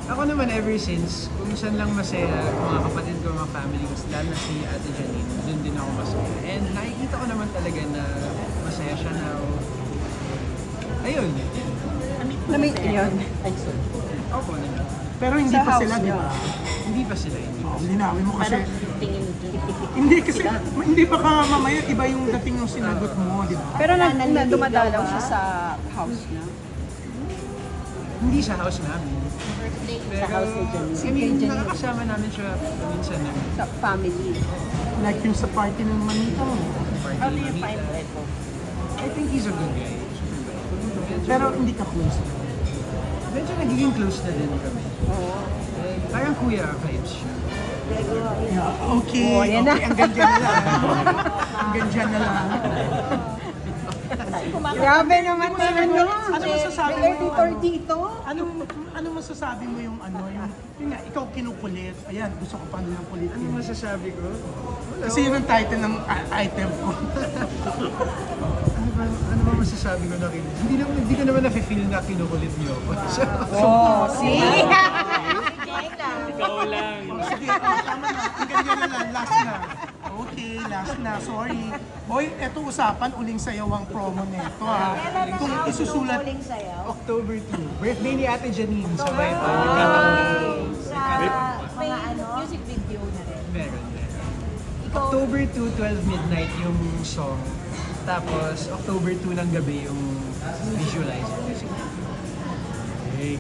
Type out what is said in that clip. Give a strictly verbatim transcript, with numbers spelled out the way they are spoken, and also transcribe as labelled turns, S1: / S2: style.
S1: Ako naman ever since, kung saan lang masaya, mga kapatid ko, mga family ko, lalo na si Ate Janine, doon din ako masaya. And nakikita ko naman talaga na masaya siya now. Ayun.
S2: Na-meet yun.
S3: Ay, sorry.
S1: Opo naman.
S4: Pero hindi
S2: Sa
S4: pa
S2: house
S4: sila, di
S2: niya.
S4: ba?
S1: Hindi pa sila, hindi pa
S4: Oh,
S1: sila.
S4: linawin mo kasi.
S3: Parang tingin
S4: Hindi kasi, hindi pa ka mamaya iba yung dating yung sinagot mo, di ba?
S2: Pero na, na dumadalaw siya sa house niya.
S1: Hindi sa house namin.
S3: birthday sa
S1: Pero,
S3: house ni Janine.
S1: I mean, nakakasama namin siya minsan na
S2: Sa family.
S4: Like yung sa party ng manita mo.
S1: party.
S3: How do you
S1: Manita.
S3: find Reto?
S1: I think he's a good guy. Super bait. Medyo,
S4: Pero hindi ka close.
S1: medyo nagiging close na din kami.
S2: Oo.
S1: Eh, parang kuya vibes siya.
S4: Yeah, okay,
S2: Oh, yan na.
S4: okay, hanggang dyan na lang. Hanggang dyan na lang.
S2: Grabe naman naman
S4: Ano,
S2: yun.
S4: ano masasabi
S2: May
S4: mo?
S2: editor dito.
S4: Ano, ano masasabi mo yung ano, yung, yun nga, ikaw kinukulit. Ayan, gusto ko pa nilang
S1: Ano
S4: kulitin.
S1: masasabi ko? Wala.
S4: Kasi yun ang title ng i- item ko.
S1: Ano ba, ano ba masasabi ko na kin... Hindi, naman, hindi ko naman na-feel na kinukulit niyo ako. So,
S2: Oh, see?
S3: Ikaw lang.
S4: Sige, oh, tama na. Hanggang dyan na lang. Last na. Okay, last na. Sorry. Boy, eto usapan, uling sayaw ang promo nito ha. Kung isusulat,
S1: October two, birthday ni Ate Janine. Sabay pa.
S5: Sa
S1: Nagkataon.
S5: mga ano,
S3: Music video na rin.
S1: Meron, meron.
S5: ikaw,
S1: October two, twelve midnight yung song. Tapos, October two ng gabi yung visualize music.